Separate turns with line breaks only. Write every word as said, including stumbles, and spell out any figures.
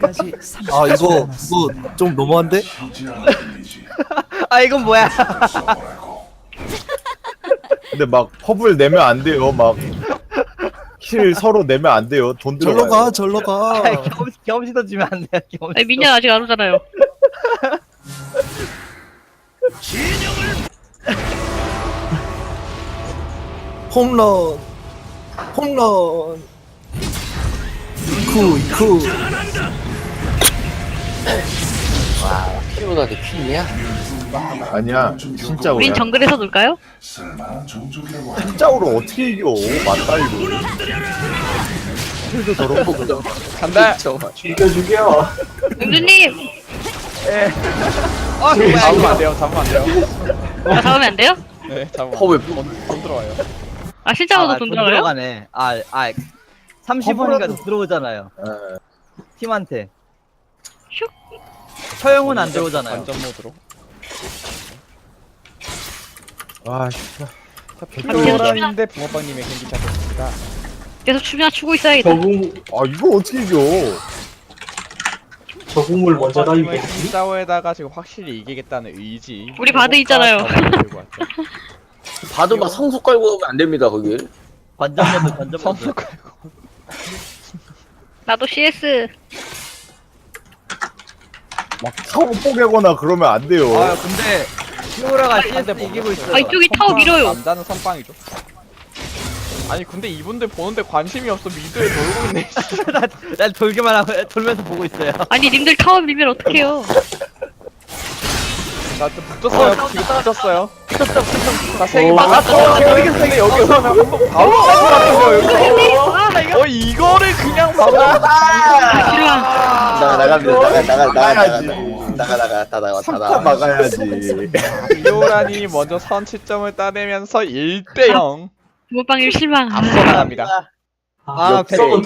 아 이거 이거 좀 너무한데?
아 이건 뭐야?
근데 막 퍼블 내면 안 돼요. 막 킬 서로 내면 안 돼요. 돈
절로
들어가요.
가 절로 가.
아, 경험치 경험치 던지면 안 돼요. 경험치.
아니, 민현 아직 안 오잖아요.
홈런 홈런 이쿠 이쿠.
피곤하게 퀸이야?
아니야. 진짜로.
우린 정글에서 놀까요?
진짜로 어떻게 이겨? 맞다 이거. 킬도 저런 거 그냥.
간다.
죽여 죽여.
은주님!
아 뭐야? 잡으면 안 돼요. 잡으면 안 돼요.
나 잡으면 안 돼요?
네, 잡으면.
허왜
돈, 돈 들어와요.
아, 실제로도
아,
돈 들어가요?
들어가네. 아, 아, 삼십 원인가 들어오잖아요.
예.
팀한테. 처형은 안 들어오잖아요.
완전 모드로.
아 씨.
자, 백도라인데 붕어빵님의 경기 시작했습니다.
계속 춤이나 추고 있어야겠다.
적응
아 이거 어떻게 이겨?
적응을 먼저
붕어빵님은
다니게.
힘싸움에다가 지금 확실히 이기겠다는 의지.
우리 바드 있잖아요.
들고 왔죠.
봐도 막 성수 깔고 오면 안 됩니다 거기.
관전모드, 관전모드.
선수 깔고.
나도 씨에스.
막 사고 뽀개거나 그러면 안 돼요.
아 근데 피오라가 씨에스 이기고 있어요.
아, 이쪽이 타워 밀어요.
남자는 선빵이죠. 아니 근데 이분들 보는데 관심이 없어. 미드에 돌고 있네.
난, 난 돌기만 하고 돌면서 보고 있어요.
아니, 님들 타워 밀면 어떡해요.
나또 붙었어요. 지금 붙었어요.
붙었어, 붙었어.
나세개
오.
막았어. 여기 근데 여기 오면 한번 바로 쌀것 같은데요. 여기서. 어 이거를 그냥 막아.
싫어.
나가 나갑니다. 나가 나가 나가
막아야지.
나가 나가 다 나가 다
삼 타
나가.
막아야지.
이오란이 먼저 선취점을 따내면서 일 대 영
부모빵님 실망.
앞서 나갑니다.
아,
역전.